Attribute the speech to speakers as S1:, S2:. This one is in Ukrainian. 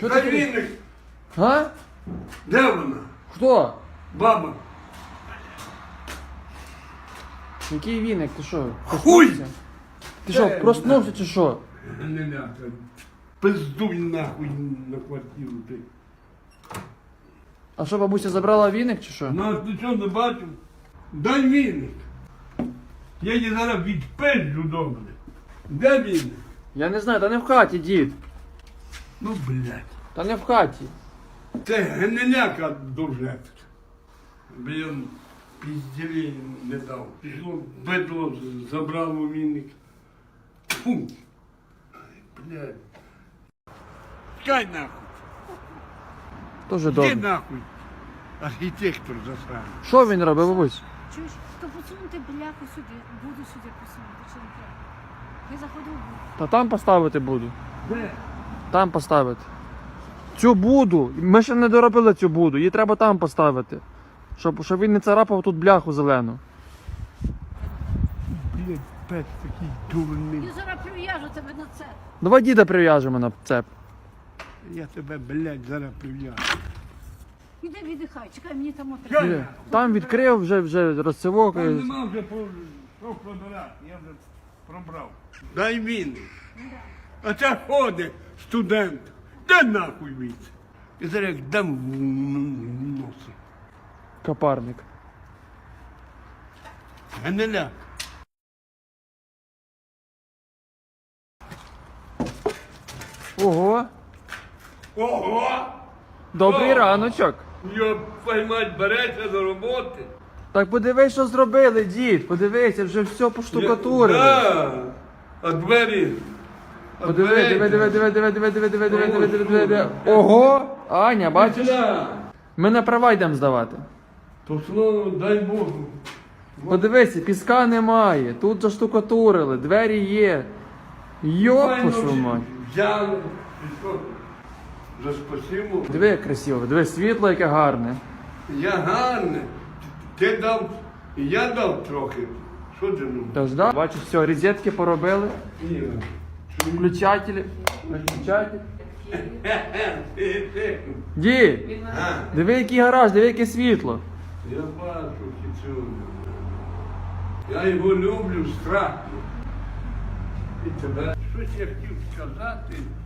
S1: Що
S2: Дай
S1: ти?
S2: віник.
S1: А?
S2: Де вона?
S1: Хто?
S2: Баба.
S1: Який віник? Ти що?
S2: Хуй!
S1: проснувся? Ти що, проснувся чи що?
S2: Не ляка. Пиздуй нахуй на квартиру ти.
S1: А що, бабуся забрала віник чи що?
S2: Ну, ти що не бачив? Дай віник. Я її зараз відпизджу добре. Де віник?
S1: Я не знаю, та не в хаті, дід.
S2: Ну, блядь.
S1: Та не в хаті.
S2: Це гниляка дуже. Блін, пізділі не дав. Пішло бедло, забрало віник. Фу. Ай, блядь. Чекай нахуй.
S1: Дуже
S2: Іди
S1: добре.
S2: нахуй. Архітектор засраний.
S1: Що він робить, бабусь?
S3: Чуєш, то посунути бляху сюди, буду сюди посунути, чи не треба? Я заходив в буду.
S1: Та там поставити буду.
S2: Де?
S1: Там поставити. Цю буду. Ми ще не доробили цю буду. Її треба там поставити. Щоб він не царапав тут бляху зелену.
S2: Блядь, пес такий дурний.
S3: Я зараз прив'яжу тебе на це.
S1: Давай діда прив'яжемо на цеп.
S2: Я тебе, блядь, зараз прив'яжу.
S3: Іди віддихай, чекай, мені там
S2: Що?
S3: треба.
S1: Там відкрив вже розцевок.
S2: Там нема вже що пробирати, я вже пробрав. Дай він. А це ходить студент. Де нахуй від? І зараз як дам в носи.
S1: Капарник.
S2: Гниляк.
S1: Ого!
S2: Ого!
S1: Добрий
S2: О!
S1: раночок.
S2: Йоп, мать, береться до роботи.
S1: Так подивись, що зробили, дід. Подивися, вже все поштукатурили.
S2: Да. А двері?
S1: Подиви, диви. Ого! Аня, бачиш? Ми на права йдемо здавати.
S2: То слово, дай Богу.
S1: Подивися, піска немає. Тут заштукатурили, двері є. Йоп, вашу мать.
S2: Взяли. І що? За спасибо.
S1: Диви, як красиво, диви, світло яке гарне.
S2: Я гарне. Ти дав, і я дав трохи. Що ти ну?
S1: Тож, да? Бачиш, все, розетки поробили,
S2: Ні.
S1: включателі, виключателі.
S2: Ти.
S1: Дід,
S2: А,
S1: диви, який гараж, диви, яке світло.
S2: я бачу цю. Я його люблю страшно. І тебе. Щось я хотів сказати.